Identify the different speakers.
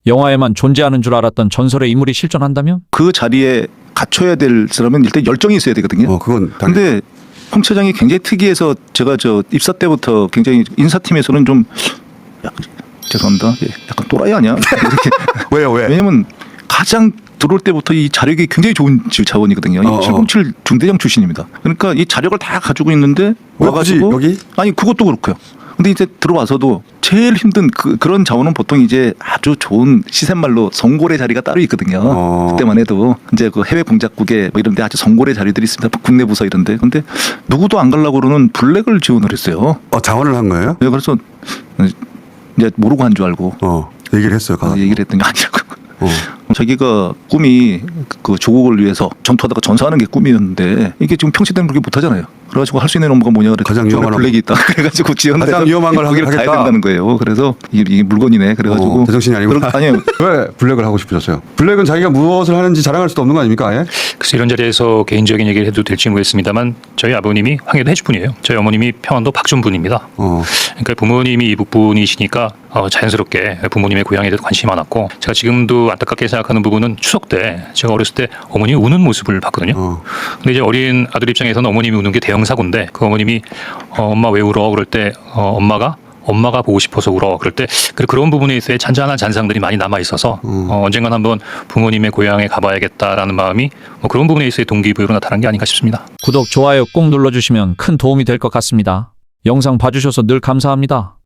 Speaker 1: 영화에만 존재하는 줄 알았던 전설의 인물이 실존한다면?
Speaker 2: 그 자리에 갖춰야 될 사람은 일단 열정이 있어야 되거든요.
Speaker 3: 그건
Speaker 2: 근데 홍 차장이 굉장히 특이해서 제가 저 입사 때부터 굉장히 인사팀에서는 좀 죄송합니다. 약간 또라이 아니야? 이렇게
Speaker 3: 왜요? 왜?
Speaker 2: 왜냐면 가장 들어올 때부터 이 자력이 굉장히 좋은 자원이거든요. 707 중대장 출신입니다. 그러니까 이 자력을 다 가지고 있는데 와가지고
Speaker 3: 여기?
Speaker 2: 아니 그것도 그렇고요. 근데 이제 들어와서도 제일 힘든 그런 자원은 보통 이제 아주 좋은 시샘말로 성골의 자리가 따로 있거든요. 그때만 해도 이제 그 해외 공작국에 뭐 이런데 아주 성골의 자리들이 있습니다. 국내 부서 이런데. 근데 누구도 안 가려고 그러는 블랙을 지원을 했어요.
Speaker 3: 자원을 한 거예요?
Speaker 2: 네, 그래서 이제 모르고 한 줄 알고
Speaker 3: 얘기를 했어요.
Speaker 2: 얘기를 했더니 아니라고. 자기가 꿈이 그 조국을 위해서 전투하다가 전사하는 게 꿈이었는데 이게 지금 평시대는 그렇게 못하잖아요. 그래가지고 할 수 있는 업무가 뭐냐 그랬더니
Speaker 3: 가장 위험한
Speaker 2: 블랙이 있다. 그래가지고 지원해서
Speaker 3: 가장 위험한 걸
Speaker 2: 거기를
Speaker 3: 하겠다.
Speaker 2: 가야 된다는 거예요. 그래서 이게 물건이네. 그래가지고
Speaker 3: 제정신이 아니구나.
Speaker 2: 아니요.
Speaker 3: 왜 블랙을 하고 싶으셨어요? 블랙은 자기가 무엇을 하는지 자랑할 수도 없는 거 아닙니까? 아예?
Speaker 4: 그래서 이런 자리에서 개인적인 얘기를 해도 될지 모르겠습니다만 저희 아버님이 황해도 해주분이에요. 저희 어머님이 평안도 박준분입니다. 그러니까 부모님이 이북분이시니까 자연스럽게 부모님의 고향에 대해서 관심이 많았고 제가 지금도 안타깝게 생각하는 부분은 추석 때 제가 어렸을 때 어머님이 우는 모습을 봤거든요. 근데 이제 어린 아들 입장에서는 어머님이 우는 게 대형 사고인데 그 어머님이 엄마 왜 울어? 그럴 때 엄마가 보고 싶어서 울어. 그럴 때 그런 부분에 있어서 잔잔한 잔상들이 많이 남아 있어서 언젠간 한번 부모님의 고향에 가봐야겠다라는 마음이 그런 부분에 있어서 동기부여로 나타난 게 아닌가 싶습니다.
Speaker 1: 구독, 좋아요 꼭 눌러주시면 큰 도움이 될 것 같습니다. 영상 봐주셔서 늘 감사합니다.